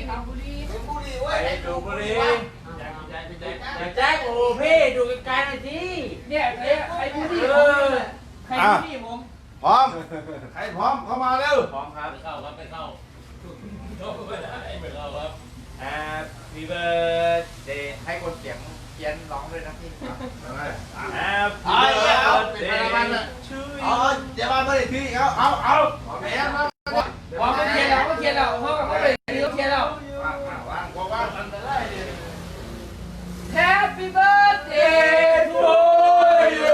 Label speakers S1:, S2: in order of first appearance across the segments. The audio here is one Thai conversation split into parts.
S1: บุรี
S2: บุรีเว้ย
S3: ไปดูบุรีอย่าแจ้งโอ้พี่ดูไกลๆหน่อยสิ
S1: เนี่ยไอ้บุรีผมใครบุรีผม
S2: พร้อมใครพร้อมเข้ามาเร็ว
S3: พร้อมครับ
S4: ไปเข้าครับไปเข้าไม่ได้ไม่เข้าครับ
S3: Happy birthday ให้คนเสียงเพี้ยนร้องด้วยนะพี่ Happy birthday to you
S2: เดี๋ยวมาเมื่อไหร่ทีเอาแม่มา
S1: พอเขาเขียนแล้วเขาเขียนแล้วเขาไปเขาเขียนแล้ว
S2: วางกันไปเลย
S1: Happy birthday to you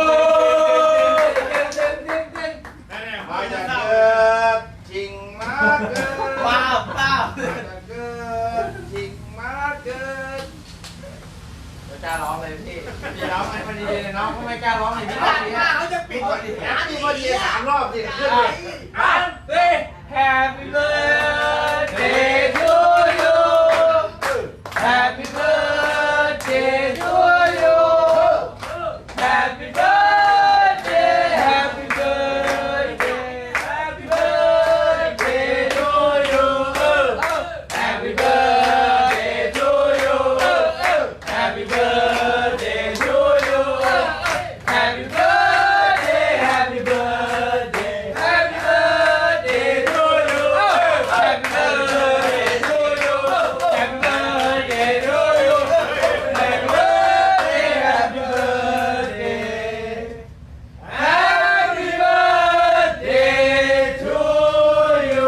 S2: มาจะเกิดจริงมาเกิดมาจะเกิดจริงมาเกิด
S3: เดี๋ยวกล้าร้องเลยพี่พี่ร้องให้มันดีเลยน้องไม่กล้าร้องเลยพี่
S2: เขาจะปิดก่อนดินี่พอดี3 รอบสิขึ้นเลย
S1: Happy birthday to you Happy birthday to you Happy birthday Happy birthday Happy birthday to you Happy birthday to you Happy birthday to you Happy birthday Happy birthday Happy birthday to you Happy birthday to you Happy birthday to you Happy birthday Happy birthday Happy birthday to you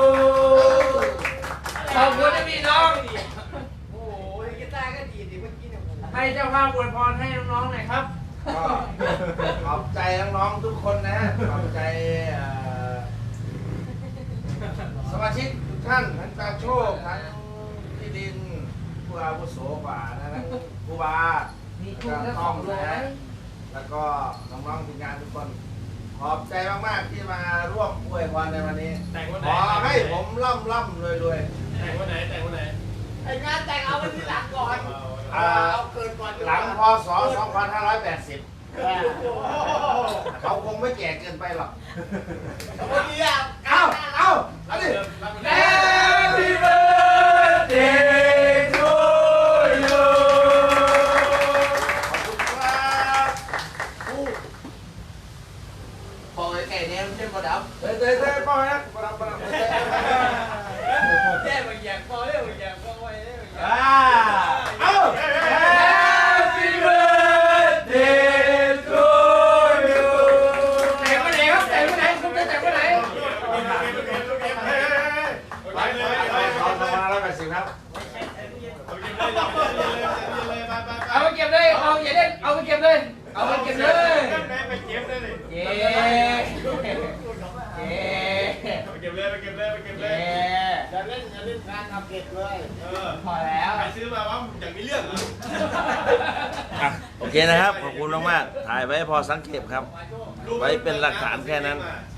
S1: ขอบคุณนะพี่น้อง
S2: โอ้ยกีตาร์ก็ดีดิเมื่อกี้เนี่ย
S3: ให้เจ้าภาพอวยพรให้น้องๆหน่อยครับ
S2: ก็ขอบใจน้องๆทุกคนนะขอบใจสมาชิกทุกท่านทั้งตาโชคทั้งพี่ดินผู้อาวุโสกว่านะทั้งผู้บา
S1: มี
S2: แล้ว
S1: ทุน
S2: ก็
S1: และข
S2: ต้
S1: อ
S2: อง
S1: งรว
S2: นะ
S1: ย
S2: แล้วก็น้องๆทีมงานทุกคน ขอบใจมากๆที่มาร่วมอวยพรในวันนี้
S4: แต่งวัน
S2: ข
S4: ไหน
S2: อให้ผมร่ำรวย
S4: แต่งวันไหนแต่งวันไหน
S1: ไอ้งานแต่งเอาไว้ที่หลังก่อน
S2: ๆเอาเกินก่อนหลังพศ 2580 เขาคงไม่แก่เกินไปหรอก
S1: วันนี้อ่ะ
S2: เอาดิ
S1: Happy birthday to you
S2: ขอบคุณครับ
S3: บอกไอ้ไก่เนี่ยมันเป็นบอดับ
S2: เต้ป้อยนะปรับ
S4: แย่บางอย่างพอได้บางอย่างพอไว้ได้บางอย่าง
S2: เอา
S1: Happy birthday to you แต่งวันไหนครับแต่งวันไหนคุณจะแต่งวันไหน
S2: 2580ครับ
S1: เอาไปเก็บเลยเอาอย่าเล่นเอาไปเก็บเลยเอาไปเก็บเลยเย้เย้
S4: เก็บเลยไปเก็บเลยไปเก็บเลย
S1: เย้
S2: อย่าเล่นการทำเก็บเลย
S1: พอแล้ว
S4: ใครซื้อมาว่าอย่างมีเรื่องเหรอ
S5: โอเคนะครับ ขอบคุณมากๆถ่ายไว้พอสังเกตครับ ไว้เป็นหลักฐานแค่นั้น
S4: ซ